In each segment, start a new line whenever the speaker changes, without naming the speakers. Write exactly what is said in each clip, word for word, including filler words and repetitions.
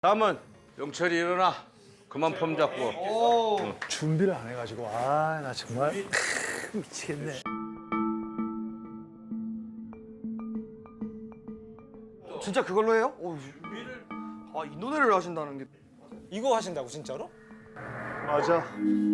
다음은 영철이 일어나. 그만 폼 잡고.
응. 준비를 안 해가지고 아 나 정말 미치겠네.
진짜 그걸로 해요? 오, 아, 이 노래를 하신다는 게.
이거 하신다고 진짜로?
맞아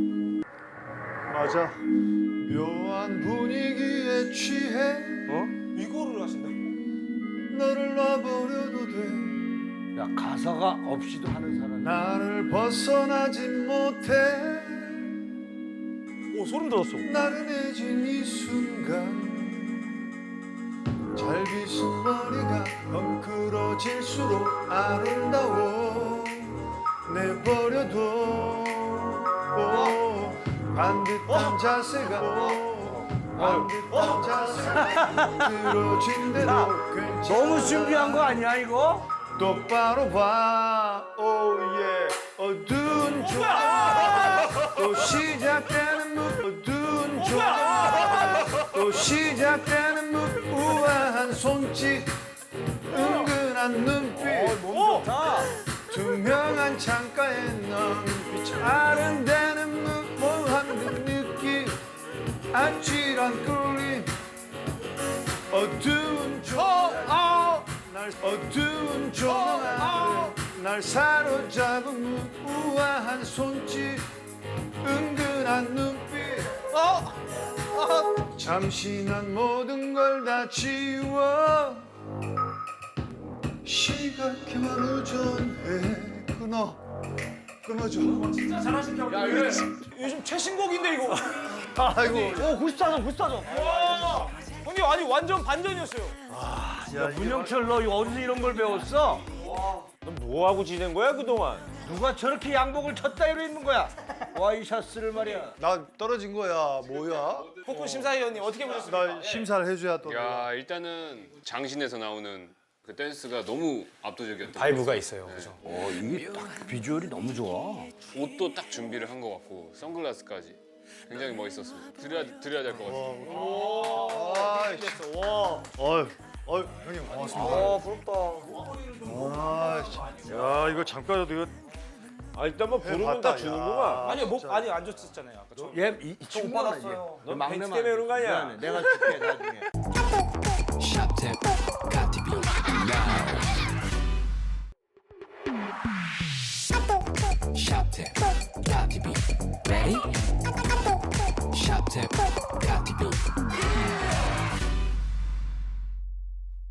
맞아 묘한 분위기에 취해
어?
이거를 하신다고?
너를 놔버려도 돼
야, 가사가 없이도 하는 사람이.
나를 벗어나지 못해
오 소름 돋았어.
나른해진 이 순간 잘 빗은 머리가 헝클어질수록 아름다워 내버려둬 오, 반듯한 자세가 오, 반듯한 자세가 들어진 대로 괜찮아
너무 준비한 거 아니야, 이거?
똑바로 봐 오예 어두운 조 또 시작되는 무 어두운 조 또 시작되는 무우아한 손짓 은근한 눈빛
오!
투명한 창가에 넌 빛 아른대는 무모한 그 느낌 아찔한 끌림 어두운 조명 날 어두운 조명 아래 날 사로잡은 무우아한 손짓 은근한 눈빛 어? 어? 잠시 난 모든 걸 다 지워 시각해만 의존해 끊어 끊어줘
야 이거 요즘 최신곡인데 이거.
아이고
오, 구십사 점, 구십사 점.
와! 형님 아니 완전 반전이었어요.
야, 문영철 너 이거 어디서 이런 걸 배웠어?
너 뭐하고 지낸 거야 그동안?
누가 저렇게 양복을 쳤다이로 입는 거야? 와이셔츠를 말이야.
나 떨어진 거야 뭐야
폭군 심사위원님 어떻게 보셨습니까?
나 심사를 해줘야 또
야 일단은 장신에서 나오는 그 댄스가 너무 압도적이었던
바이브가 있어요. 그죠?
어, 이게 딱 비주얼이 너무 좋아.
옷도 딱 준비를 한 것 같고 선글라스까지 굉장히 멋있었습니다. 드려야 드려야 될 것 같아요.
아이씨 어휴 어휴 형님 고맙습니다
아, 부럽다.
아이씨
야 이거 잠깐이라도 이거 아 일단 뭐 부르면 다 주는구만.
아니요 목 아니 안 줬었잖아요 아까. 저.
얘, 이, 이 친구가
받았어요.
너
벤치 때문에 그런 거 아니야?
내가 줄게, 나중에.